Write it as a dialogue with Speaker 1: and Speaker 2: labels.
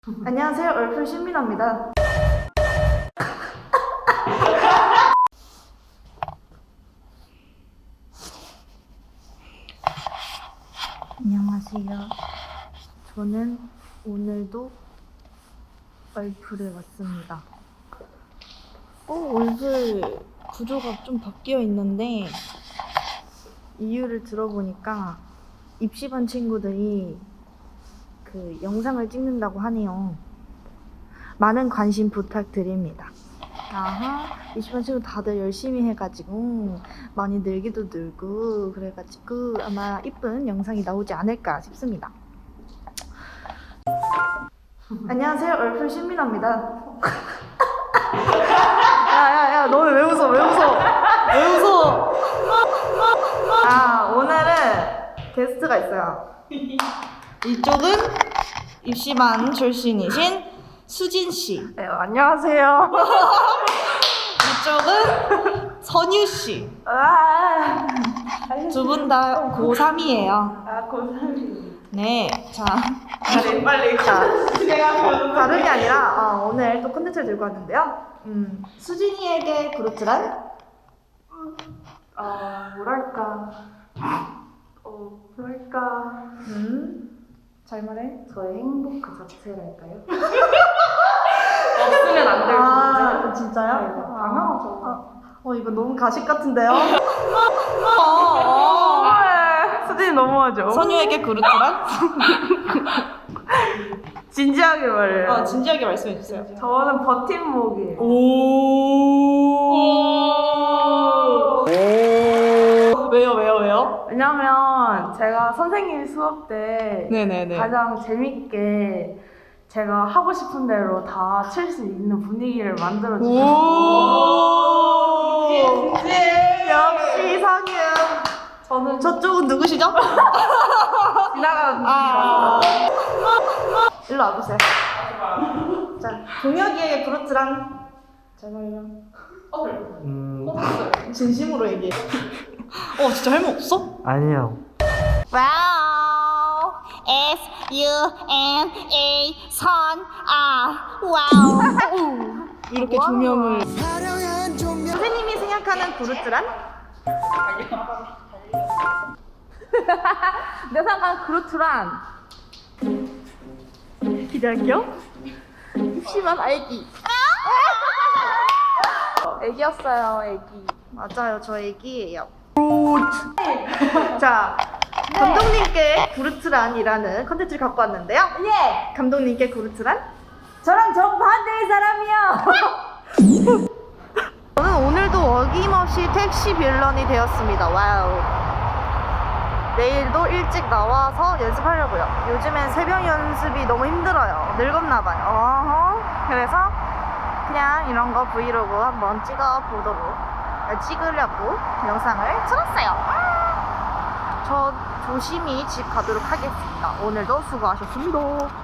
Speaker 1: 안녕하세요. 얼풀 신민아입니다. 안녕하세요. 저는 오늘도 얼풀에 왔습니다. 얼풀 구조가 좀 바뀌어 있는데 이유를 들어보니까 입시반 친구들이 그 영상을 찍는다고 하네요. 많은 관심 부탁드립니다. 아하, 입시반 친구 다들 열심히 해가지고 많이 늘기도 늘고 그래가지고 아마 이쁜 영상이 나오지 않을까 싶습니다. 안녕하세요. 얼풀 신민아입니다. 야야야, 너는 왜 웃어? 왜 웃어? 왜 웃어? 오늘은 게스트가 있어요. 이쪽은 입시반 출신이신 수진씨.
Speaker 2: 네, 안녕하세요.
Speaker 1: 이쪽은 선유씨. 두 분 다 고3이에요.
Speaker 2: 고3이.
Speaker 1: 네, 자.
Speaker 2: 빨리.
Speaker 1: 자, 다름이 아니라 오늘 또 콘텐츠를 들고 왔는데요. 수진이에게 그루트란?
Speaker 2: 뭐랄까.
Speaker 1: 잘 말해.
Speaker 2: 저의 행복 그 자체랄까요? 없으면 안 될 존재.
Speaker 1: 진짜요?
Speaker 2: 네, 당연하죠.
Speaker 1: 이거 너무 가식 같은데요?
Speaker 2: 수진이 너무하죠?
Speaker 1: 선유에게 그루트란?
Speaker 2: 진지하게 말해요.
Speaker 1: 진지하게 말씀해주세요.
Speaker 2: 저는 버팀목이에요.
Speaker 1: 왜요?
Speaker 2: 왜냐면 제가 선생님 수업 때
Speaker 1: 네네네.
Speaker 2: 가장 재밌게 제가 하고 싶은 대로 다 칠 수 있는 분위기를 만들어주고
Speaker 1: 역시 선유.
Speaker 2: 저는
Speaker 1: 저쪽은 누구시죠?
Speaker 2: 지나가는 분위기라서
Speaker 1: 일로 와보세요. 자, 동혁이에게 그루트란? 잘 말해요. 진심으로 얘기해. 진짜 할 말 없어?
Speaker 3: 아니요.
Speaker 4: 와우, S-U-N-A 와우.
Speaker 1: 이렇게 조명을. 선생님이 생각하는 그루트란?
Speaker 2: 내가 생각하는 그루트란
Speaker 1: 기대할게요. 입시반 아기.
Speaker 2: 애기였어요, 애기.
Speaker 1: 맞아요, 저 애기예요. 자, 감독님께 그루트란이라는 컨텐츠를 갖고 왔는데요.
Speaker 2: 예!
Speaker 1: 감독님께 그루트란?
Speaker 2: 저랑 정반대의 사람이요!
Speaker 1: 저는 오늘도 어김없이 택시 빌런이 되었습니다. 와우. 내일도 일찍 나와서 연습하려고요. 요즘엔 새벽 연습이 너무 힘들어요. 늙었나봐요. 그래서 그냥 이런 거 브이로그 한번 찍으려고 영상을 찍었어요. 저 조심히 집 가도록 하겠습니다. 오늘도 수고하셨습니다.